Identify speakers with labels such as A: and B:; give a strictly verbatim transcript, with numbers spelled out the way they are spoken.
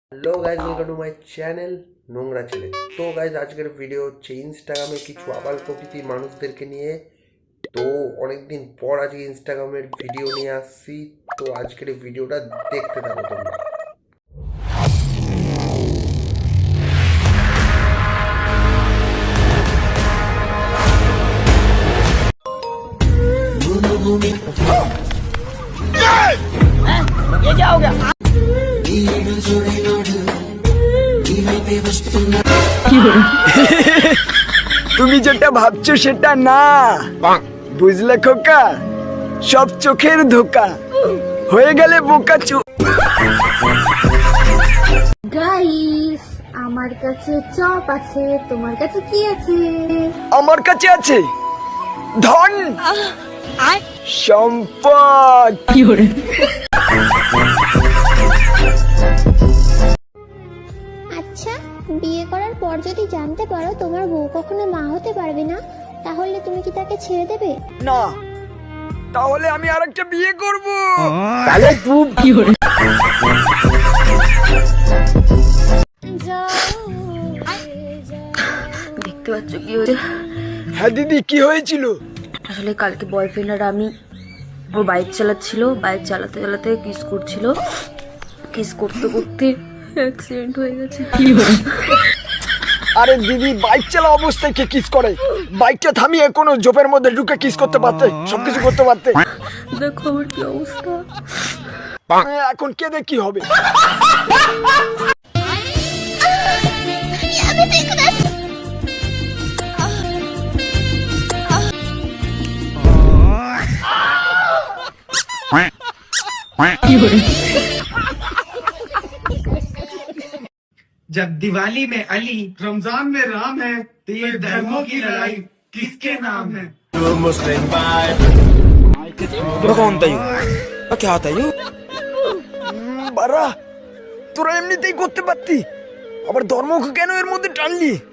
A: Hello guys, welcome to my channel নোংরা ছেলে। তো গাইজ, আজকের ভিডিও হচ্ছে ইনস্টাগ্রামে কিছু আবাল প্রকৃতির মানুষদেরকে নিয়ে। তো অনেকদিন পর আজকে ইনস্টাগ্রামের ভিডিও নিয়ে আসছি। তো আজকের এই ভিডিওটা দেখতে থাকো তোমরা।
B: ये क्या हो गया?
C: তুমি যেটা ভাবছো সেটা না, বুঝলে খোকা? সব চোখের ধোকা, হয়ে গেলে বোকা চো।
D: গাইস, আমার কাছে চপ আছে, তোমার কাছে কি আছে?
C: আমার কাছে আছে ধন, সম্পদ।
D: আচ্ছা, বিয়ে করার পর যদি জানতে পারো তোমার বউ কখনো মা হতে পারবে না, তাহলে তুমি কি তাকে ছেড়ে দেবে?
C: না, তাহলে আমি আরেকটা বিয়ে করব। তাহলে তুই কি করে?
B: দেখতে পাচ্ছ কি হয়েছে?
C: হ্যাঁ দিদি, কি হয়েছিল?
B: আসলে কালকে বয়ফ্রেন্ড আর আমি, ও বাইক চালাচ্ছিল, বাইক চালাতে চালাতে কিস করছিল, কিস করতে করতে অ্যাক্সিডেন্ট হয়ে গেছে।
C: আরে দিদি, বাইক চালা অবস্থায় কে কিস করে? বাইকটা থামিয়ে কোনো জোপের মধ্যে ঢুকে কিস করতে পারতে, সবকিছু করতে পারতে।
B: দেখো আমার কি অবস্থা।
C: এখন কেঁদে কি হবে?
E: जब दिवाली में अली, रमजान में राम है, तो ये धर्मों की लड़ाई किसके नाम है?
C: কখন তাই কে আতাই বারা, তোরা এমনিতেই করতে পারতি, আবার ধর্মকে কেন এর মধ্যে টানলি?